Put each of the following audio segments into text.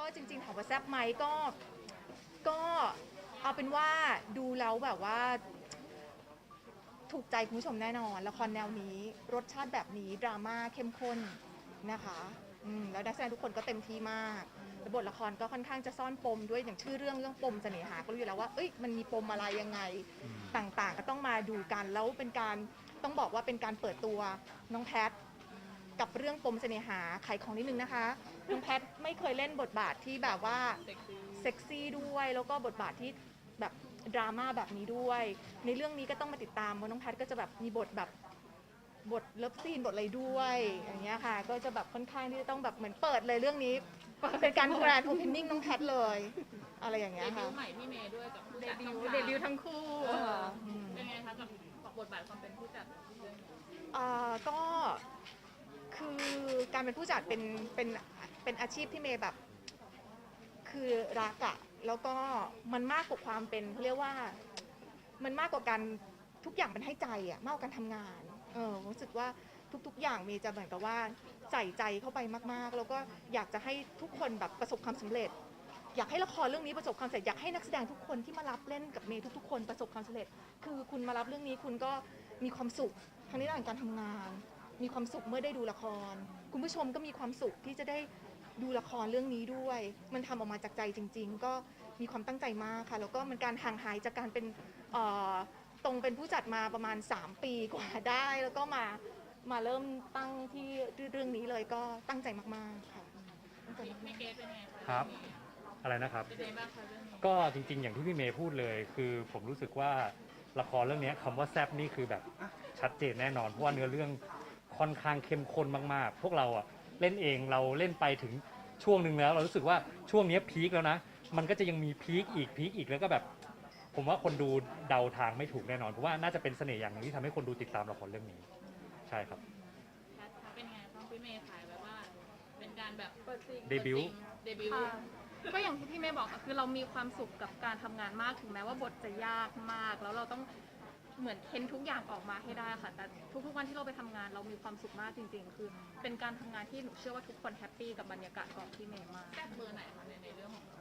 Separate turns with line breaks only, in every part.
ก็จริงๆถามว่าแซ่บไหมก็เอาเป็นว่าดูแล้วแบบว่าถูกใจคุณผู้ชมแน่นอนละครแนวนี้รสชาติแบบนี้ดราม่าเข้มข้นนะคะแล้วนักแสดงทุกคนก็เต็มที่มากแล้วบทละครก็ค่อนข้างจะซ่อนปมด้วยอย่างชื่อเรื่องปมเสน่หาก็รู้อยู่แล้วว่าเอ้ยมันมีปมอะไรยังไงต่างๆก็ต้องมาดูกันแล้วเป็นการต้องบอกว่าเป็นการเปิดตัวน้องแพทกับเรื่องปมเสน่หาขายของนิดนึงนะคะน้องแพทไม่เคยเล่นบทบาทที่แบบว่าเซ็กซี่ด้วยแล้วก็บทบาทที่แบบดราม่าแบบนี้ด้วยในเรื่องนี้ก็ต้องมาติดตามว่าน้องแพทก็จะแบบมีบทแบบบทเลิฟซีนบทอะไรด้วยอย่างเงี้ยค่ะก็จะแบบค่อนข้างที่จะต้องแบบเหมือนเปิดเลยเรื่องนี้เป็นการแกรนด์โอเพนนิ่งน้องแพทเลยอะไรอย่างเงี้ยค่ะ
เดบิวต์ใหม่พี่เมย์ด้วยกับผู้จัด
เดบิวต์ทั้งคู่
เป็นไงคะกับบทบาทความเป็นผู้จัด
ก็คือการเป็นผู้จัดเป็นอาชีพที่เมย์แบบคือรักอะแล้วก็มันมากกว่าความเป็นเขาเรียกว่ามันมากกว่าการทุกอย่างเป็นให้ใจอะมากกว่าการทำงานรู้สึกว่าทุกอย่างเมย์จะเหมือนกับว่าใส่ใจเข้าไปมากๆแล้วก็อยากจะให้ทุกคนแบบประสบความสำเร็จอยากให้ละครเรื่องนี้ประสบความสำเร็จอยากให้นักแสดงทุกคนที่มารับเล่นกับเมย์ทุกๆคนประสบความสำเร็จคือคุณมารับเรื่องนี้คุณก็มีความสุขทั้งในด้านการทำงานมีความสุขเมื่อได้ดูละครคุณผู้ชมก็มีความสุขที่จะได้ดูละครเรื่องนี้ด้วยมันทำออกมาจากใจจริงๆก็มีความตั้งใจมากค่ะแล้วก็มันการห่างหายจากการเป็นตรงเป็นผู้จัดมาประมาณ3 ปีกว่าได้แล้วก็มาเริ่มตั้งที่เรื่องนี้เลยก็ตั้งใจมากๆค่ะ
พี่เกรซเป็นไงคะ
ครับอะไรนะครับ
เป็นไงบ้างคะเรื่องนี้
ก็จริงๆอย่างที่พี่เมย์พูดเลยคือผมรู้สึกว่าละครเรื่องนี้คำว่าแซ่บนี่คือแบบชัดเจนแน่นอนเพราะว่าเนื้อเรื่องค่อนข้างเข้มข้นมากๆพวกเราอะเล่นเองเราเล่นไปถึงช่วงหนึ่งแล้วเรารู้สึกว่าช่วงนี้พีคแล้วนะมันก็จะยังมีพีคอีกแล้วก็แบบผมว่าคนดูเดาทางไม่ถูกแน่นอนเพราะว่าน่าจะเป็นเสน่ห์อย่างหนึงที่ทำให้คนดูติดตามละครเรื่องนี้ใช่ครับ
เป็นไงบ้างพี่เมย์ถ่ายแบบว่าเป็นการแบบ
เดบิวต์
ก็อย่างที่พี่เมย์บอกคือเรามีความสุขกับการทำงานมากถึงแม้ว่าบทจะยากมากแล้วเราต้องเหมือนเค้นทุกอย่างออกมาให้ได้ค่ะแต่ทุกๆวันที่เราไปทำงานเรามีความสุขมากจริงๆคือเป็นการทำงานที่หนูเชื่อว่าทุกคนแฮปปี้กับบรรยากาศของพี่เมย์มาก
แซ่บเบอร์ไหนคะในเรื่องของ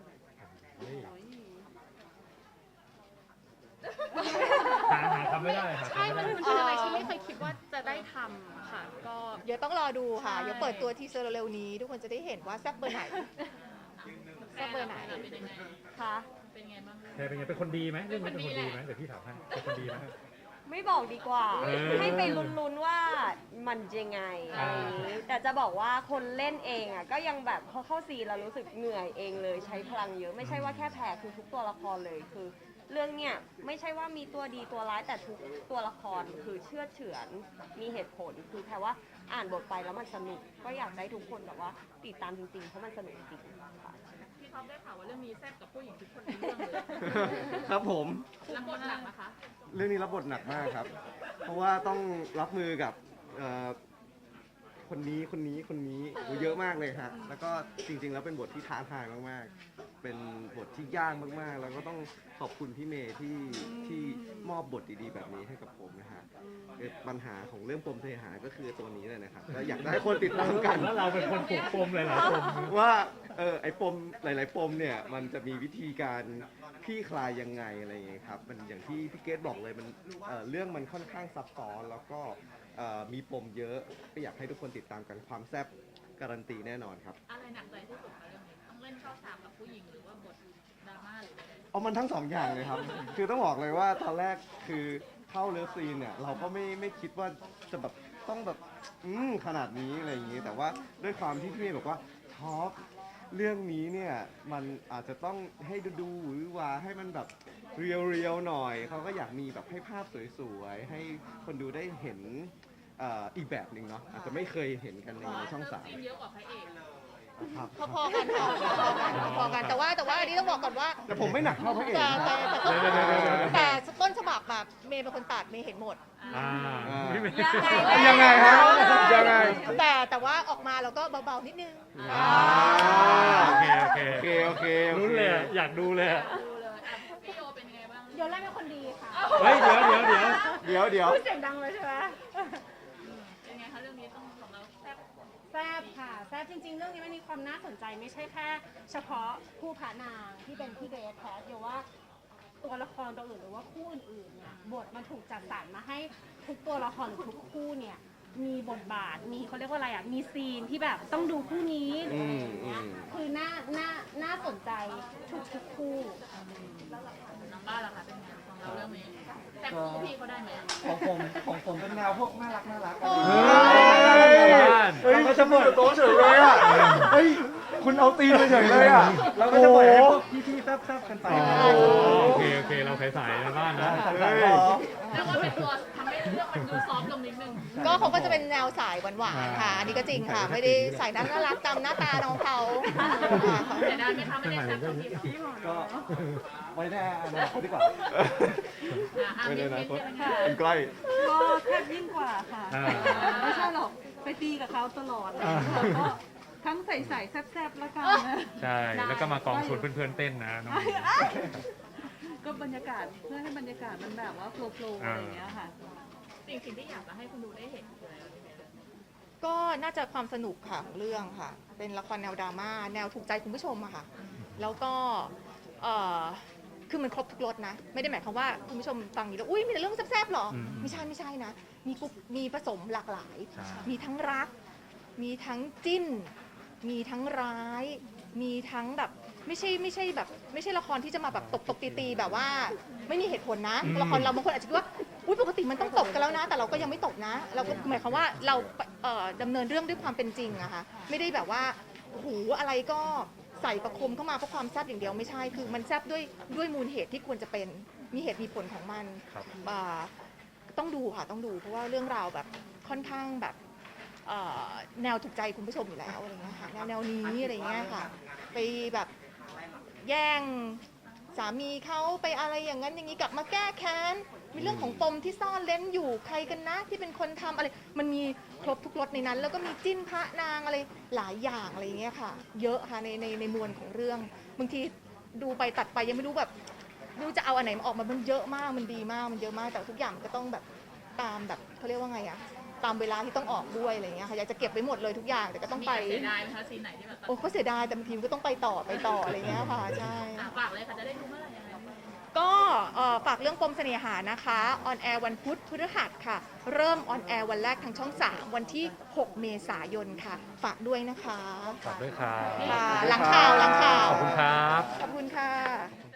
หาทำไม่ได้ค่ะ
ใช่มันเป็นอะไรที่ไม่เคยคิดว่าจะได้ทำค่ะก็
เดี๋ยวต้องรอดูค่ะเดี๋ยวเปิดตัวทีเซอร์เร็วๆนี้ทุกคนจะได้เห็นว่าแซ่บเบอร์ไหนแซ่บเบอร์ไหน
ค่ะ
เป็นไงบ้าง
เป็นไงเป็นคนดีไหมเรื่องนี้เป็นคนดีไหมเดี๋ยวพี่ถามให้เป็นคนดีไหม
ไม่บอกดีกว่าให้ไปลุ้นๆว่ามันยังไงอะไรอย่างนี้แต่จะบอกว่าคนเล่นเองอ่ะก็ยังแบบพอเข้าซีนเรารู้สึกเหนื่อยเองเลยใช้พลังเยอะไม่ใช่ว่าแค่แพ้คือทุกตัวละครเลยคือเรื่องเนี้ยไม่ใช่ว่ามีตัวดีตัวร้ายแต่ทุกตัวละครคือเชื่อเฉือนมีเหตุผลคือแค่ว่าอ่านบทไปแล้วมันสนุกก็อยากได้ทุกคนแบบว่าติดตามจริงๆเพราะมันสนุกจริงๆค่ะ
พี่ท็อปได้ข่าวว่าเรื่องนี้แซ่บกับผู้หญิงทุกคนในเรื่องเลย
ครับผม
รับบทหนักนะคะ
เรื่องนี้รับบทหนักมากครับเพราะว่าต้องรับมือกับคนนี้เยอะมากเลยฮะแล้วก็จริงๆแล้วเป็นบทที่ท้าทายมากๆเป็นบทที่ยากมากๆแล้วก็ต้องขอบคุณพี่เมย์ที่มอบบทดีๆแบบนี้ให้กับผมนะฮะปัญหาของเรื่องปมเทหาก็คือตัวนี้เลยนะครับแล้วอยากได้คนติดตามกัน
แล้วเราเป็นคนปลุกปมหลายๆปม
ว่าไอ้ปมหลายๆปมเนี่ยมันจะมีวิธีการคลี่คลายยังไงอะไรอย่างเงี้ยครับมันอย่างที่พี่เกดบอกเลยมันเรื่องมันค่อนข้างซับซ้อนแล้วก็มีปมเยอะก็อยากให้ทุกคนติดตามกันความแซ่บการันตีแน่นอนครับ
อะไรหนักใจที่สุดคะเรื่องนี้ต้องเล่นเข้าฉากกับผู้หญิงหรือว่าบทดราม่าหรืออะไร
เอามันทั้งสองอย่างเลยครับ คือต้องบอกเลยว่าตอนแรกคือเข้าเลิฟซีนเนี่ยเราก็ไม่คิดว่าจะแบบต้องแบบขนาดนี้อะไรอย่างงี้แต่ว่าด้วยความที่พี่เมย์บอกว่าท็อปเรื่องนี้เนี่ยมันอาจจะต้องให้ดูหรือว่าให้มันแบบเรียวๆหน่อยเขาก็อยากมีแบบให้ภาพสวยๆให้คนดูได้เห็นอีกแบบหนึ่งเนาะอาจจะไม่เคยเห็นกันในช่อง3
เยอะกว่าพระเอก
ครับ
พอๆกันแต่ว่าอันนี้ต้องบอกก่อนว่า
แต่ผมไม่หนักเท่าพระเอก
แต่ต้นฉบับแบบเมย์เป็นคนตัดเมย์เห็นหมด
ยังไงฮะยังไง
แต่ว่าออกมาเราก็เบาๆนิดนึง
โอเครู้เลยอยากดูเลย
พี่โยเป็นยังไงบ้าง
โยนแรกเป็นคนดีค่ะ
เฮ้ยเดี๋ยว
พูด
เสียงดังเลยใช่ไหม
เป็นไงคะเรื่องนี้ต้องของเราแซ่บ
แซบค่ะแซบจริงๆ เรื่องนี้มันมีความน่าสนใจไม่ใช่แค่เฉพาะคู่พระนางที่เป็นพี่เกรซแพทเดียวว่าตัวละครตัวอื่นหรือว่าคู่อื่นๆเนี่ยบทมันถูกจัดสรรมาให้ทุกตัวละครหรือทุกคู่เนี่ยมีบทบาทมีเขาเรียกว่าอะไรอ่ะมีซีนที่แบบต้องดูคู่นี้หรืออะไรอย่างเงี้ยคือน่าสนใจทุกคู่
น้องบ้านล่ะคะเป็นไงของเราเรื่องนี้แต่คู่พี่เขาได้ไหมอะ
ของผมเป็นแนวพวกน่ารัก
เฮ้ยก็จะเปิดโต๊ะเฉยเลยอ่ะเฮ้ยคุณเอาตีนไปเฉยเลยอ่ะ
เราก็จะปล่อยให้พวกพี่ๆแซ่บๆกันไป
โอเคเราใสๆในบ้านนะ
เฮ้ย
เรียกว่าเป็นตัวทำให้เรื่องมันดูซอฟต์ลงนิดนึง
ก็เขาก็จะเป็นแนวสายหวานๆค่ะ อันนี้ก็จริงค่ะ ไม่ได้ใส่น่ารักตามหน้าตาน้องเขาค่ะ
เสียดายไหมคะไม่ได้แซ่บกับพี่เขา
ก็ไว้แน่อนาคตดีกว่า
ไม่ได้
มิ้
นะ
นท์เป็นไง
มันใกล้
ก็แทบยิ่งกว่าค่ะ
อ่า
ไม่ใช่หรอก ไปตีกับเขาตลอดเลยค่ะก็ทั้งใส่แซ่บๆแล้วกันนะ
ใช่ แล้วก็มากองชวนเพื่อนๆเต้นนะน้อง
ก็บรรยากาศเพื่อให้บรรยากาศมันแบบว่าโฟล์ๆอะไรอย่างเงี้ยค่ะ
สิ่งที่อยากจะให้คุณดูได้เห็นคืออะไรพี่เมย์
ก็น่าจะความสนุกค่ะของเรื่องค่ะ เป็นละครแนวดราม่าแนวถูกใจคุณผู้ชมอะค่ะ แล้วก็คือมันครบทุกรสนะ ไม่ได้หมายความว่าคุณผู้ชมฟังอยู่แล้วอุ้ยมีแต่เรื่องแซ่บๆหรอ ไม่ใช่นะ มีผสมหลากหลาย
ใช่
มีทั้งรัก มีทั้งจิ้น มีทั้งร้าย มีทั้งแบบไม่ใช่แบบไม่ใช่ละครที่จะมาแบบตบตีๆแบบว่าไม่มีเหตุผลนะ ละครเราบางคนอาจจะคิดว่าอุ้ยปกติมันต้องตบกันแล้วนะ แต่เราก็ยังไม่ตบนะ เราก็หมายความว่าเราดำเนินเรื่องด้วยความเป็นจริงอะค่ะไม่ได้แบบว่าโอ้โหอะไรก็ใส่ประคมเข้ามาเพราะความแซ่บอย่างเดียวไม่ใช่คือมันแซ่บด้วยมูลเหตุที่ควรจะเป็นมีเหตุมีผลของมัน
ครับ
ต้องดูค่ะต้องดูเพราะว่าเรื่องราวแบบค่อนข้างแบบแนวถูกใจคุณผู้ชมอยู่แล้วอะไรเงี้ยค่ะแนวนี้อะไรเงี้ยค่ะไปแบบแย่งสามีเขาไปอะไรอย่างนั้นอย่างนี้กลับมาแก้แค้นมีเรื่องของปมที่ซ่อนเล้นอยู่ใครกันนะที่เป็นคนทำอะไรมันมีครบทุกรสในนั้น แล้วก็มีจิ้นพระนางอะไรหลายอย่างอะไรเงี้ยค่ะเยอะค่ะในมวลของเรื่องบางทีดูไปตัดไปยังไม่รู้แบบไม่รู้จะเอาอันไหนมาออกมามันเยอะมากมันดีมากมันเยอะมากแต่ทุกอย่างมันก็ต้องแบบตามแบบเขาเรียกว่าไงอะตามเวลาที่ต้องออกด้วยอะไรเงี้ยค่ะอยากจะเก็บไว้หมดเลยทุกอย่างแต่ก็ต้อง
มี
ไป
เสียดายไหมคะซีนไหนที่แบบ
โอ้ก็เสียดายแต่บางทีมันก็ต้องไปต่ออะไรเงี้ยค่ะใช่
ฝากเลยค่ะจะได้ดูเมื่อไหร่ยังไง
ก็ฝากเรื่องปมเสน่หานะคะออนแอร์วันพุธพฤหัสค่ะ เริ่มออนแอร์วันแรกทางช่อง 3 วันที่ 6 เมษายนค่ะ ฝากด้วยนะคะ
ฝากด้วยครับ
ค่ะหลังข่าว
ขอบคุณครับ
ขอบคุณค่ะ